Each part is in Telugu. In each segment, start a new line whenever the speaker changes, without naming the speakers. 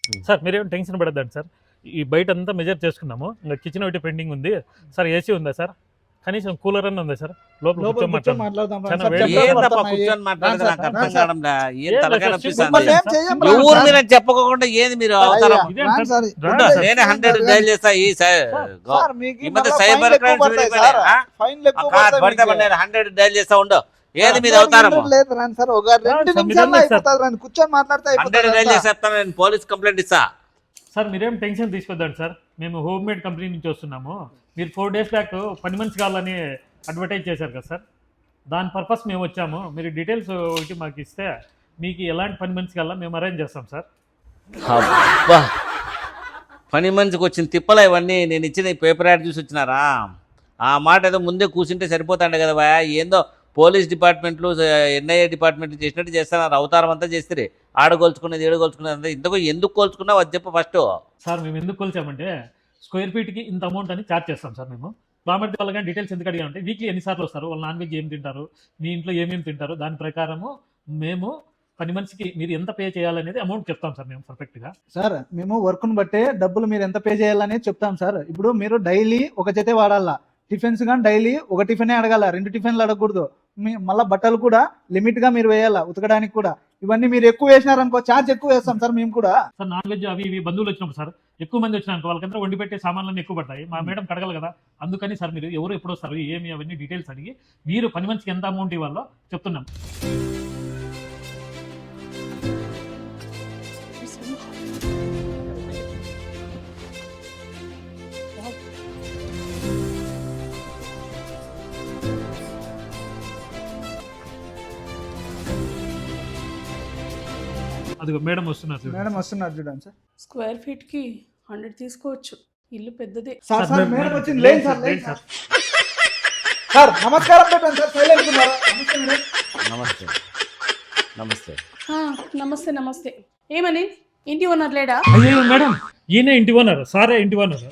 సార్ మీరేం టెన్షన్ పడద్దండి సార్. ఈ బయట అంతా మెజర్ చేసుకున్నాము. ఇంకా కిచెన్ ఒకటి పెండింగ్ ఉంది సార్. ఏసీ ఉందా సార్? కనీసం కూలర్ అన్న ఉందా సార్? లోపల కూర్చొని
మాట్లాడదాం
చాలా వేడి.
కూర్చొని మాట్లాడేది నాకు అర్థం కావడంలా. ఏం
ఏం
తలకాయ
లేదు,
నొప్పిస్తుంది.
సింపుల్ ఏం
చేయం
సార్.
ఎవరు మీరు అని చెప్పకుండా ఏది మీరు అవతారం
ఇదేం సార్?
ఉండు, నేనే 100 డైల్ చేస్తా. ఈ మధ్య సైబర్ క్రైమ్స్ పడితే 100 డైల్ చేస్తా ఉండు. ఏది మీరు అవతారము?
లేదు రాండి సార్, ఒక 2 నిమిషాల్లో అయిపోతుంది రండి, కూర్చొని మాట్లాడితే
100 డైల్ చేసి చెప్తాను, నేను పోలీస్ కంప్లైంట్ ఇస్తా.
సార్ మీరేం టెన్షన్ తీసుకోద్దండి సార్. మేము హోమ్ మేడ్ కంపెనీ నుంచి వస్తున్నాము. మీరు 4 days బ్యాక్ పని మనిషి కావాలని అడ్వర్టైజ్ చేశారు కదా సార్. దాని పర్పస్ మేము వచ్చాము. మీరు డీటెయిల్స్ ఒకటి మాకు ఇస్తే మీకు ఎలాంటి పని మనిషి కావాలో మేము అరేంజ్ చేస్తాం సార్.
అబ్బా, పని మనిషికి వచ్చిన తిప్పలా ఇవన్నీ. నేను ఇచ్చిన పేపర్ యాడ్ చూసి వచ్చినారా? ఆ మాట ఏదో ముందే కూర్చుంటే సరిపోతాండే కదా భయ. ఏందో పోలీస్ డిపార్ట్మెంట్లు ఎన్ఐఏ డిపార్ట్మెంట్లు చేసినట్టు చేస్తున్నారు. అవతారం అంతా చేస్తే ఆడగోల్చుకునేది ఏడగోల్చుకునేది అంతా. ఇంతకు ఎందుకు కోల్చుకున్నావు అది చెప్పు ఫస్ట్.
సార్ మేము ఎందుకు కొలిచామంటే స్క్వేర్ ఫీట్కి ఇంత అమౌంట్ అని ఛార్జ్ చేస్తాం సార్. మేము బామర్ది వాళ్ళ కానీ డీటెయిల్స్ ఎందుకు అడిగామంటే వీక్లీ ఎన్నిసార్లు వస్తారు, వాళ్ళు నాన్ వెజ్ ఏం తింటారు, మీ ఇంట్లో ఏమేమి తింటారు, దాని ప్రకారము మేము పని మనిషికి మీరు ఎంత పే చేయాలనేది అమౌంట్ చెప్తాం సార్ మేము పర్ఫెక్ట్గా.
సార్ మేము వర్క్ను బట్టే డబ్బులు మీరు ఎంత పే చేయాలనేది చెప్తాం సార్. ఇప్పుడు మీరు డైలీ ఒక జతే వాడాలా, టిఫిన్స్ కానీ డైలీ ఒక టిఫినే అడగాల, 2 టిఫిన్లు అడగకూడదు. మళ్ళీ బట్టలు కూడా లిమిట్గా మీరు వేయాలా, ఉతకడానికి కూడా. ఇవన్నీ మీరు ఎక్కువ వేసినారనుకో ఛార్జ్ ఎక్కువ వేస్తాం సార్ మేము కూడా.
సార్ నాన్ వెజ్ అవి ఇవి బంధువులు వచ్చినప్పుడు సార్ ఎక్కువ మంది వచ్చినాక వాళ్ళకంతా వండి పెట్టే సామాన్లన్నీ ఎక్కువ పడతాయి. మా మేడం కడగలు కదా, అందుకని సార్ మీరు ఎవరు ఎప్పుడు వస్తారు ఏమి అవన్నీ డీటెయిల్స్ అడిగి మీరు పని మనిషికి ఎంత అమౌంట్ ఇవ్వాలో చెప్తున్నాం. అదిగో మేడం వస్తున్నారు చూడండి.
మేడం వస్తున్నారు చూడండి సార్.
స్క్వేర్ ఫీట్ కి 100 తీసుకోవచ్చు, ఇల్లు పెద్దదే.
సార్
సార్,
మేడం
మేడం
వచ్చింది,
లేదు
లేదు సార్,
సార్,
లేదు
లేదు
సార్. సార్ నమస్కారం పెట్టండి సార్, సైలెంట్ ఉన్నారా? నమస్తే మేడం.
నమస్తే నమస్తే.
ఆ, నమస్తే నమస్తే. ఏమని ఇంటి ఓనర్ లేడా?
అయ్యో మేడం ఈయన ఇంటి ఓనర్, సారే ఇంటి ఓనర్.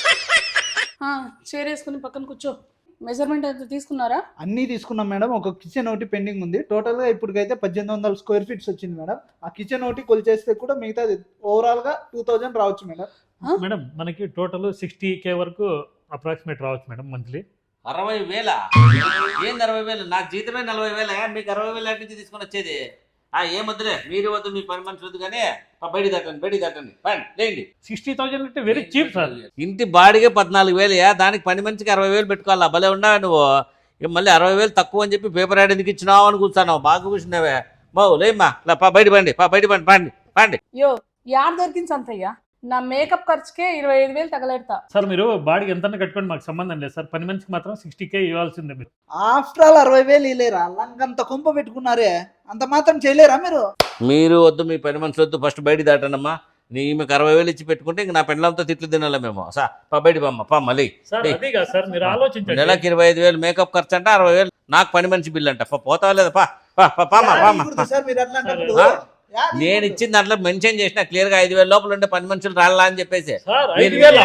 చైర్ వేసుకుని పక్కన కూర్చో. మెజర్మెంట్ ఎంత తీసుకున్నారా?
అన్నీ తీసుకున్నాం మేడం. ఒక కిచెన్ ఒకటి పెండింగ్ ఉంది. టోటల్ గా ఇప్పటికైతే 1800 స్క్వేర్ ఫీట్స్ వచ్చింది మేడం. ఆ కిచెన్ ఒకటి కొలిచేస్తే కూడా మిగతా ఓవరాల్ గా 2000 రావచ్చు మేడం.
మేడం మనకి టోటల్ 60K వరకు అప్రాక్సిమేట్ రావచ్చు మేడం మంత్లీ.
60,000? ఏంది 60,000? నాకు జీతమే 40,000. మీకు 60,000 ఎక్కడి నుంచి తీసుకొని వచ్చేది? ఏం వద్దులే, మీరు వద్దు, మీ పని మనిషి వద్దు. కానీ బయట దాటండి పని లేండి.
60,000 అంటే వెరీ చీప్ సార్.
ఇంటి బాడిగే 14,000. దానికి పని మనిషికి 60,000 పెట్టుకోవాలా? భలే ఉన్నావా నువ్వు? మళ్ళీ 60,000 తక్కువ అని చెప్పి పేపర్ యాడ్ ఎందుకు ఇచ్చినావు అని కూర్చున్నావు. బాగా కూర్చున్నావే బావు. లేమ్మా బయట పండి.
యో యాడ్ దొరికింది సంతయ్య. నా మేకప్ ఖర్చుకే 25,000 తగలెడతా.
సార్ మీరు బాడీ ఎంత కట్టుకోండి, మాకు సంబంధం లేదు సార్. పని మనిషికి మాత్రం 60K ఇవ్వాల్సిందే మీరు.
After all 60,000 ఇలేరా? లంకంత కుంప పెట్టుకున్నారే, అంత మాత్రం చేయలేరా మీరు?
మీరు వద్దు, మీ పని మనిషి వద్దు. ఫస్ట్ బయట దాటనమ్మా. మీకు 60,000 ఇచ్చి పెట్టుకుంటే ఇంక నా పెండ్లంతో తిట్లు తినాలి మేము. బయట మళ్ళీ
సార్ అది కాదు సార్, మీరు ఆలోచించండి.
నెలకి 25,000 మేకప్ ఖర్చు అంట, 60,000 నాకు పని మనిషి బిల్ అంట. పోతావా లేదా?
సార్ మీరు అట్లా అన్నప్పుడు
నేను ఇచ్చిన దాంట్లో మెన్షన్ చేసిన క్లియర్ గా 5,000 లోపల ఉండే పని మనుషులు రాలా అని చెప్పేసి.
సార్ 5,000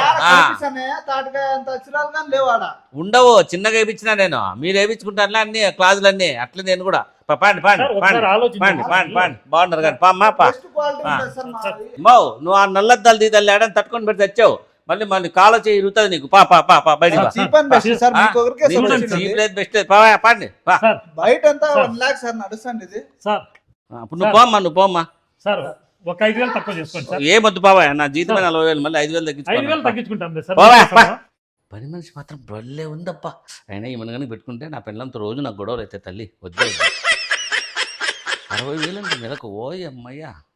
ఉండవు, చిన్నగా వేయించిన నేను. మీరు వేయించుకుంటారులే అన్ని క్లాజులు అన్ని. అట్లా నేను కూడా పాండి బాగున్నారు కానీ మౌ నువ్వు ఆ నల్లద్దాలు దీదాలు ఏడని తట్టుకొని పెడితే తెచ్చావు. మళ్ళీ కాలో చేయి ఇరుగుతుంది నీకు. బయట బెస్ట్ పాండి. నువ్వు పోమ్మా.
సార్ ఒక 5,000 తక్కువ చేసుకోండి సార్.
ఏమొద్దు బాబా, నా జీతమే 40,000. మళ్ళీ 5,000
తగ్గించుకుంటాం సార్.
పని మనిషి మాత్రం బొల్లే ఉందప్ప. అయినా ఈ మనగానే పెట్టుకుంటే నా పెళ్ళంతో రోజు నాకు గొడవలు అయితే తల్లి వద్దు. 60,000 నెలకు ఓయమ్మయ్యా.